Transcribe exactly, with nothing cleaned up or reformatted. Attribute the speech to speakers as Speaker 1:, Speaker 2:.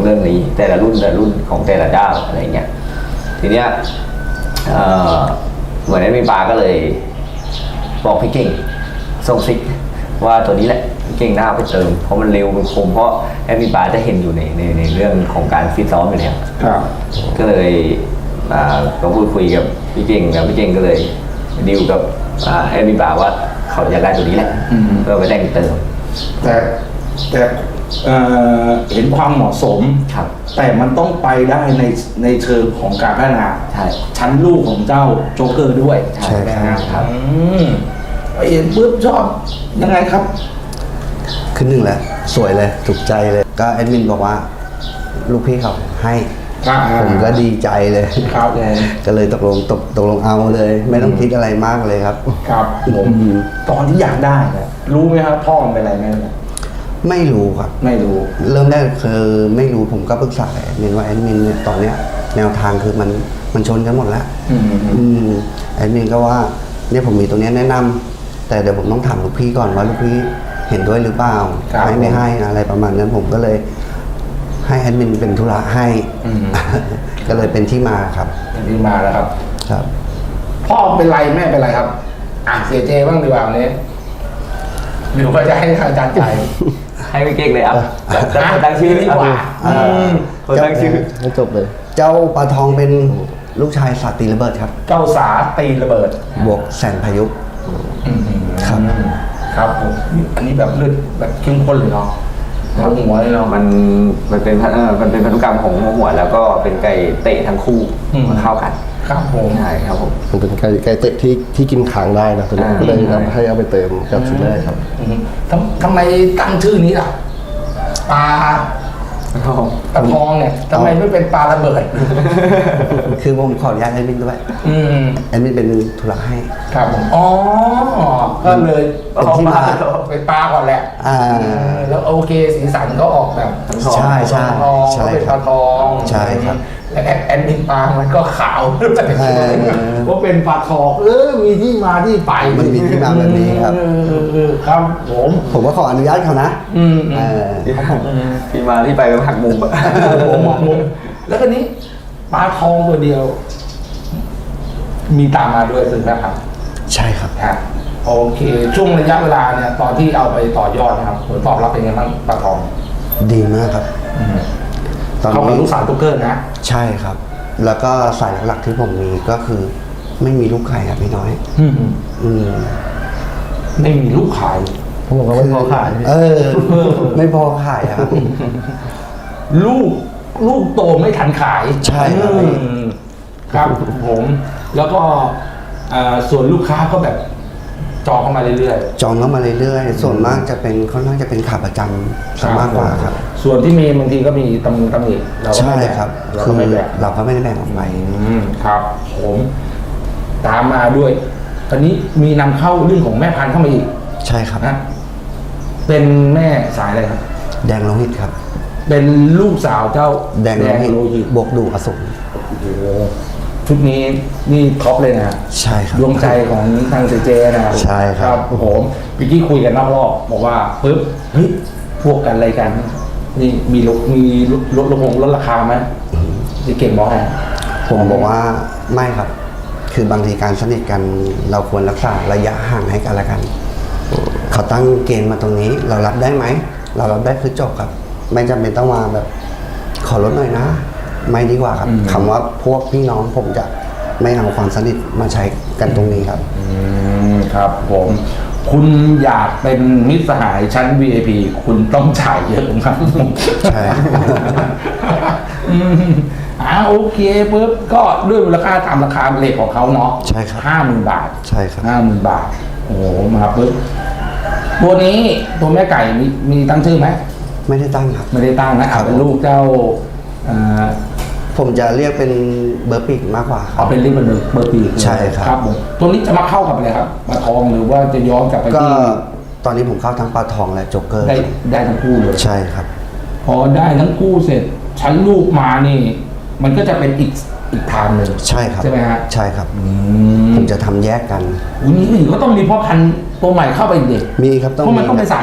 Speaker 1: เรื่องนี้แต่ละรุ่นแต่ละรุ่นของแต่ละเจ้าอะไรเงี้ยทีเนี้ยเอ่อเหมือนแอดมินปาก็เลยบอกพี่เก่งส่งซิกว่าตัวนี้แหละพี่เก่งน่าไปเติมเพราะมันเร็วมันคมเพราะแอดมินปาจะเห็นอยู่ในในในเรื่องของการฟิตซ้อมอยู่แล้วก็เลยก็พูดคุยกับพี่เก่งแล้วพี่เก่งก็เลยดีลกับแอดมินปาว่าเขาอยากได้ตัวนี้แหละเพื่อไปแต่งเติม
Speaker 2: แต่แต่เห็นความเหมาะสมแต่มันต้องไปได้ในในเชิงของการพัฒนาชั้นลูกของเจ้าโจ๊กเกอร์ด้วย
Speaker 3: ใช่ครับ
Speaker 2: ไปเห็นปุ๊บชอบยังไงครับ
Speaker 3: ขึ้นหนึ่งแล้วสวยเลยถูกใจเลยก็แอดมินบอกว่าลูกพี่เขาให้ผมก็ดีใจเลย
Speaker 2: ครับ
Speaker 3: ก็เลยตกลงตกตกลงเอาเลยไม่ต้องคิดอะไรมากเลยครับ
Speaker 2: ครับผมตอนที่อยากได้เนี่ยรู้ไหมครับพ่อมันเป็นอะไรไหม
Speaker 3: ไม่รู้ครับ
Speaker 2: ไม่รู้
Speaker 3: เริ่มแรกคือไม่รู้ผมก็ปรึกษาแอดมินว่าแอดมินเนี่ยตอนเนี้ยแนวทางคือมันมันชนกันหมดแล้วแอดมินก็ว่าเนี่ยผมมีตรงนี้แนะนำแต่เดี๋ยวผมต้องถามลูกพี่ก่อนว่าลูกพี่เห็นด้วยหรือเปล่าให้ไม่ให้อะไรประมาณนั้นผมก็เลยให้แอดมินเป็นธุระให้ก็เลยเป็นที่มาครับ
Speaker 2: เป็นที่มาแล้วครับ
Speaker 3: ครับ
Speaker 2: พ่อเป็นไรแม่เป็นไรครับอ่ะเสียเจบ้างดีกว่าวันนี้หรือว่าจะให้อาจารย์ใจ
Speaker 1: ให้ไม่เก่งเลยอ่ะตั้งชื่อดีกว่า
Speaker 3: คนตั้งชื่อให้จบเลยเจ้าปลาทองเป็นลูกชายสาตีระเบิดครับ
Speaker 2: เจ้าสาตีระเบิด
Speaker 3: บวกแสนพายุครับ
Speaker 2: ครับผมอันนี้แบบเลือดแบบเข้มข้นเลยเนาะหัวเลยเนาะ
Speaker 1: มันมันเป็นมันเป็นพันธุกรรมของหัวแล้วก็เป็นไก่เตะทั้งคู่มันเข้ากัน
Speaker 2: ครับผม
Speaker 1: ใช่ครับผม
Speaker 3: มันเป็นไก่ไก่เตะที่ที่กินขางได้นะตัวนี้ก็เลยทำให้เอาไปเติมกับชุดแรกครับ
Speaker 2: ทำทำไมตั้งชื่อนี้ล่ะปลาปลาทองเนี่ยทำไมไม่เป็นปลาระเบิด
Speaker 3: คือผมขออนุญาตแอดมินด้วยแอดมินเป็นธุระให้
Speaker 2: ครับผมอ๋อก็เลยเอาปลาเป็นปลาก่อนแหละแล้วโอเคสีสันก็ออกแบบ
Speaker 3: ใช่ใช่
Speaker 2: ใช่เป็นปลาทอง
Speaker 3: ใช่ครับ
Speaker 2: แล้วแอดมินปลามันก็ขาวว่าเป็นปลาทองเออมีที่มาที่ไป
Speaker 3: มันมีที่มาแบบนี้ครับ
Speaker 2: ครับผม
Speaker 3: ผมก็ขออนุญาตเขานะ
Speaker 1: ที่มาที่ไปเป็นหักมุม
Speaker 2: ผมหักมุมแล้วก็นี้ปลาทองตัวเดียวมีตามมาด้วยซึ่งนะครับ
Speaker 3: ใช่ครับ
Speaker 2: ครับโอเคช่วงระยะเวลาเนี่ยตอนที่เอาไปต่อยอดนะครับผลตอบรับเป็นยังไงบ้างปลาทอง
Speaker 3: ดีมากครับ
Speaker 2: เขาเป็นลูกสาวตุ๊กเกอร์นะ
Speaker 3: ใช่ครับแล้วก็สายหลักๆที่ผมมีก็คือไม่มีลูกไข่ครับพี่น้อย
Speaker 2: อืมอืมไม่มีลูกไข่
Speaker 3: ผมบอกว่าไม่พอขายเออไม่พอขายครับ
Speaker 2: ลูกลูกโตไม่ทันขาย
Speaker 3: ใช่ครับ
Speaker 2: ครับผมแล้วก็ส่วนลูกค้าก็แบบจองเข้ามาเรื่อย
Speaker 3: ๆจองเข้ามาเรื่อยๆส่วนมากจะเป็นค่อนข้างจะเป็นขาประจำซะมากกว่าครับ
Speaker 2: ส่วนที่มีบางทีก็มีตำหนิตำหนิ
Speaker 3: เราก็ไม่แบ่งเราก็ไม่แบ่งเราก็ไม่ได้แบ่งออกไป
Speaker 2: ครับผมตามมาด้วยตอนนี้มีนำเข้าเรื่องของแม่พันธุ์เข้ามาอีก
Speaker 3: ใช่ครับ
Speaker 2: นะเป็นแม่สายอะไรครับ
Speaker 3: แดงโลหิตครับ
Speaker 2: เป็นลูกสาวเจ้า
Speaker 3: แดงโลหิตบวกดูอสูร
Speaker 2: ชุดนี้นี่ท็อปเลยนะ
Speaker 3: ใช่ครับ
Speaker 2: ดวงใจของทางเจเจนะ
Speaker 3: ใช่ครับ
Speaker 2: ผมพี่กี้คุยกันนอกรอบบอกว่าปึ๊บเฮ้ยพวกกันอะไรกันนี่มีลดมีลดลดลงลดราคาไหมพี่เก่งบอกไง
Speaker 3: ผมบอกว่าไม่ครับคือบางทีการสนิทกันเราควรรักษาระยะห่างให้กันละกันเขาตั้งเกณฑ์มาตรงนี้เรารับได้ไหมเรารับได้คือจบครับไม่จำเป็นต้องมาแบบขอลดหน่อยนะไม่ดีกว่าครับคำว่าพวกพี่น้องผมจะไม่นำความสนิทมาใช้กันตรงนี้ครับ
Speaker 2: อืมครับผมคุณอยากเป็นมิตรสหายชั้น วี ไอ พี คุณต้องจ่ายเยอะครับ
Speaker 3: ใช่
Speaker 2: อ่าโอเคปุ๊บก็ด้วยมูลค่าตามราคาเลทของเขาเนาะ
Speaker 3: ใช่ครับ
Speaker 2: ห้าหมื่นบาท
Speaker 3: ใช่ครับ
Speaker 2: ห้าหมื่นบาทโอ้โหมาปุ๊บตัวนี้ตัวแม่ไก่มีมีตั้งชื่อไหม
Speaker 3: ไม่ได้ตั้งครับ
Speaker 2: ไม่ได้ตั้งนะเป็นลูกเจ้า
Speaker 3: ผมจะเรียกเป็นเบอร์ปีกมากกว่าครับ
Speaker 2: เอาเป็นเรียกเป็นเบอร์ปีก
Speaker 3: ใช่ครับ
Speaker 2: ครับผมตัวนี้จะมาเข้ากับอะไรครับปลาทองหรือว่าจะย้อนกลับไปที่
Speaker 3: ก็ตอนนี้ผมเข้าทั้งปลาทองและโจ๊กเกอร์
Speaker 2: ได้ได้ทั้งคู่เลย
Speaker 3: ใช่ครับ
Speaker 2: พอได้ทั้งคู่เสร็จชั้นลูกมานี่มันก็จะเป็นอีกอีกทางหนึ่ง
Speaker 3: ใช่ครับ
Speaker 2: ใช่ไหมฮะ
Speaker 3: ใช่ครับผมจะทำแยกกัน
Speaker 2: อุ้ยนี่ก็ต้องมีพ่อพันธุ์ตัวใหม่เข้าไปเด็ก
Speaker 3: มีครับ
Speaker 2: เพราะมันต้องเป็นสาย